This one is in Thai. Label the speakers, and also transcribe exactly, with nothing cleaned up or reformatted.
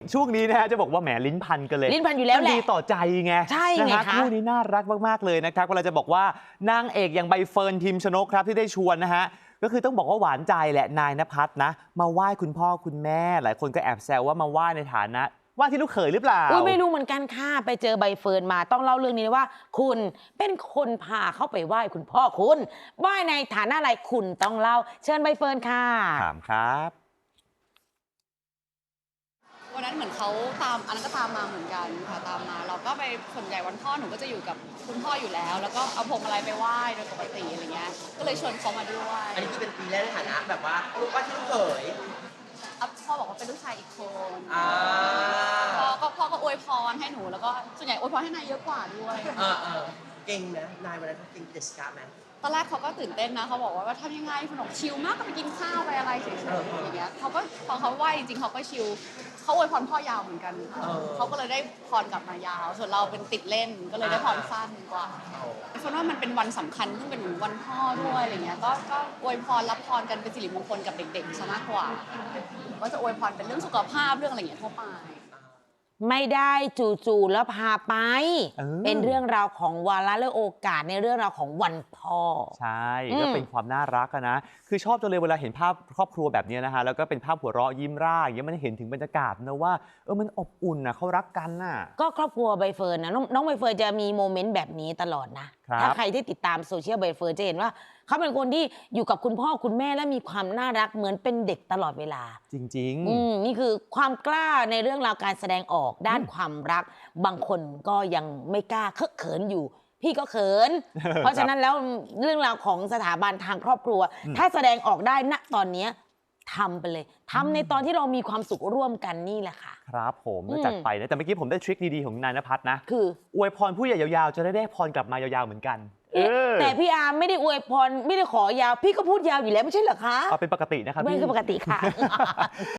Speaker 1: ช่วงนี้นะฮะจะบอกว่าแหมลิ้นพันกันเลย
Speaker 2: ลิ้นพันอยู่แล้วแหละ
Speaker 1: ดีต่อใจไง
Speaker 2: ใช่ไง
Speaker 1: นะฮะ
Speaker 2: คะ
Speaker 1: คู่นี้น่ารักมากๆเลยนะครับเวลาจะบอกว่านางเอกอย่างใบเฟิร์นพิมชนกครับที่ได้ชวนนะฮะก็คือต้องบอกว่าหวานใจแหละนายณภัทรนะมาไหว้คุณพ่อคุณแม่หลายคนก็แอบแซวว่ามาไหว้ในฐานะว่าที่ลูกเขยหรือเปล่า
Speaker 2: อุ้ยไม่รู้เหมือนกันค่ะไปเจอใบเฟิร์นมาต้องเล่าเรื่องนี้ว่า คุณเป็นคนพาเข้าไปไหว้คุณพ่อคุณไหว้ในฐานะอะไรคุณต้องเล่าเชิญใบเฟิร์นค่ะ
Speaker 1: ถามครับ
Speaker 3: วันนั้นเหมือนเขาตามอันนั้นก็ตามมาเหมือนกันค่ะตามมาเราก็ไปส่วนใหญ่วันพ่อหนูก็จะอยู่กับคุณพ่ออยู่แล้ว แล้วก็เอาพวงมาลัยไปไหว้โดยปกติอะไรเงี้ยก็เลยชวนเขามาด้วย
Speaker 4: อันนี้คือเป็นปีแรกในฐานะแบบว่าลูกว่าที่ลูกเขย
Speaker 3: อ่ะพ่อบอกว่าเป็นลูกชายอีกคน
Speaker 4: อ่า
Speaker 3: พ่อก็พ่อก็อวยพรให้หนูแล้วก็ส่วนใหญ่อวยพรให้นายเยอะกว่าด้วย
Speaker 4: เออเออเก่งนะนายวันนั้นเขาเก่งเดสกาไหม
Speaker 3: ตอนแรกเขาก็ตื่นเต้นนะเขาบอกว่าว่าทำยังไงขนมชิลมากก็ไปกินข้าวไปอะไรเฉยๆอย่างเงี้ยเขาก็พอเขาไหวจริงๆเขาก็ชิลเขาอวยพรพ่อยาวเหมือนกันเขาก็เลยได้พรกลับมายาว ส่วนเราเป็นติดเล่นก็เลยได้พรสั้นกว่าเพราะว่ามันเป็นวันสำคัญซึ่งเป็นวันพ่อด้วยอะไรเงี้ยก็ก็อวยพรรับพรกันเป็นสิริมงคลกับเด็กๆซะมากกว่าก็จะอวยพรเป็นเรื่องสุขภาพเรื่องอะไรเงี้ยทั่วไป
Speaker 2: ไม่ได้จู่ๆแล้วพาไป
Speaker 1: เออ
Speaker 2: เป็นเรื่องราวของวาระและโอกาสในเรื่องราวของวันพ่อ
Speaker 1: ใช่
Speaker 2: อืม
Speaker 1: ก็เป็นความน่ารักอะนะคือชอบจังเลยเวลาเห็นภาพครอบครัวแบบนี้นะฮะแล้วก็เป็นภาพหัวเราะยิ้มร่าอย่างเงี้ยมันเห็นถึงบรรยากาศนะว่าเออมันอบอุ่นนะเขารักกันน่ะ
Speaker 2: ก็ครอบครัวใบเฟิร์นนะน้องน้องใบเฟิร์นจะมีโมเมนต์แบบนี้ตลอดนะครับ ถ้าใครที่ติดตามโซเชียลใบเฟิร์นจะเห็นว่าเขาเป็นคนที่อยู่กับคุณพ่อคุณแม่และมีความน่ารักเหมือนเป็นเด็กตลอดเวลา
Speaker 1: จริง
Speaker 2: อืมนี่คือความกล้าในเรื่องราวการแสดงออกด้านความรัก บางคนก็ยังไม่กล้าเคอะเขินอยู่ พี่ก็เขิน เพราะฉะนั้นแล้วเรื่องราวของสถาบันทางครอบครัว ถ้าแสดงออกได้ณตอนเนี้ยทำไปเลยทำในตอนที่เรามีความสุขร่วมกันนี่แหละค่ะ
Speaker 1: ๆ ครับผม
Speaker 2: อืม
Speaker 1: จัดไปนะแต่เมื่อกี้ผมได้ทริคดีๆของนายณภัทรนะ
Speaker 2: คือ
Speaker 1: อวยพรผู้ใหญ่ยาวๆ จะได้ได้พรกลับมายาวๆเหมือนกันเออ
Speaker 2: แต่พี่อาร์มไม่ได้อวยพรไม่ได้ขอยาว พี่ก็พูดยาวอยู่แล้วไม่ใช่เหรอคะ
Speaker 1: เอาเป็นปกตินะครับ
Speaker 2: ไม่
Speaker 1: พี่
Speaker 2: คือปกติค่ะ